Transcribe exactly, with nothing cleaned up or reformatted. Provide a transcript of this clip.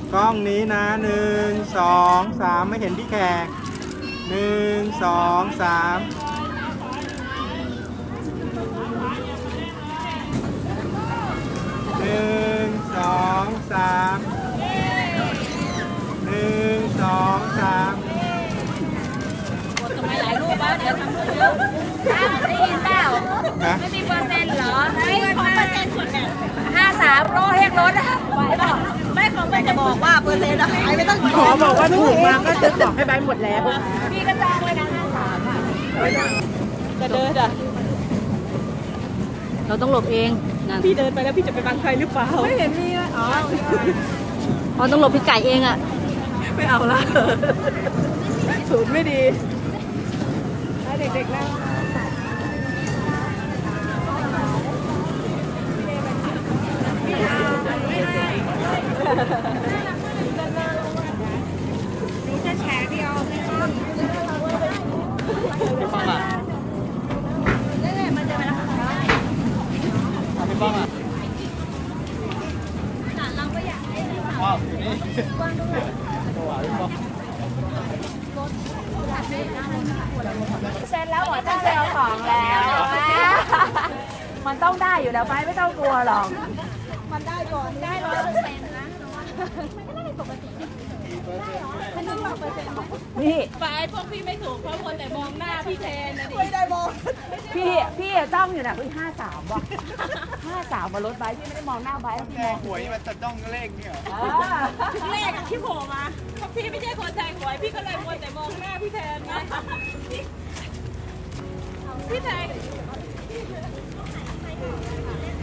กล้องนี้นะหนึ่งสองสามไม่เห็นพี่แขกหนึ่งสองสามหนึ่งสองสามหนึ่งสองสามทำไมหลายรูปวะเดี๋ยวทำรูปเยอะได้ยินเปล่าไม่มีเปอร์เซ็นต์เหรอไม่ของเปอร์เซ็นต์ส่วนเนี่ยห้าสามโลเฮกรถอะไหวเปล่าไม่ของไม่จะบอกว่าเปอร์เซ็นต์อะหายไม่ต้องขอบอกว่าถูกมาก็จะบอกให้ใบหมดแล้วพี่ก็จ้างไว้นะห้าสามอะจะเดินอะเราต้องหลบเองนะพี่เดินไปแล้วพี่จะไปบังใครหรือเปล่าไม่เห็นมีอ๋ออ๋อต้องหลบพี่ไก่เองอะไม่เอาละสูตรไม่ดีให้เด็กๆนั่งนี่จะแชร์พี่ออมพี่ป้องอ่ะนี่ไงมันจะไปแล้วพี่ป้องอ่ะเราก็อยากให้ว้าวนี่กว้างด้วยเซ็นแล้วหมอต้องเซ็นเอาของแล้วมันต้องได้อยู่แล้วไปไม่ต้องกลัวหรอกมันได้ก่อนได้ร้อยเปอร์เซ็นต์นะมันก็ได้ปกติมันต้องร้อยเปอร์เซ็นต์นี่ไปพวกพี่ไม่ถูกเพราะคนแต่มองหน้าพี่แทนนะดิไม่ได้มองพี่พี่จ้องอยู่นะพี่ห้าสามว่ะห้าสามมารถไบพี่ไม่ได้มองหน้าไบพี่มองหวยมันจะจ้องเลขเนี่ยเลขที่โผล่มาเพราะพี่ไม่ใช่คนแทงหวยพี่ก็เลยมัวแต่มองหน้าพี่แทนไงพี่แทน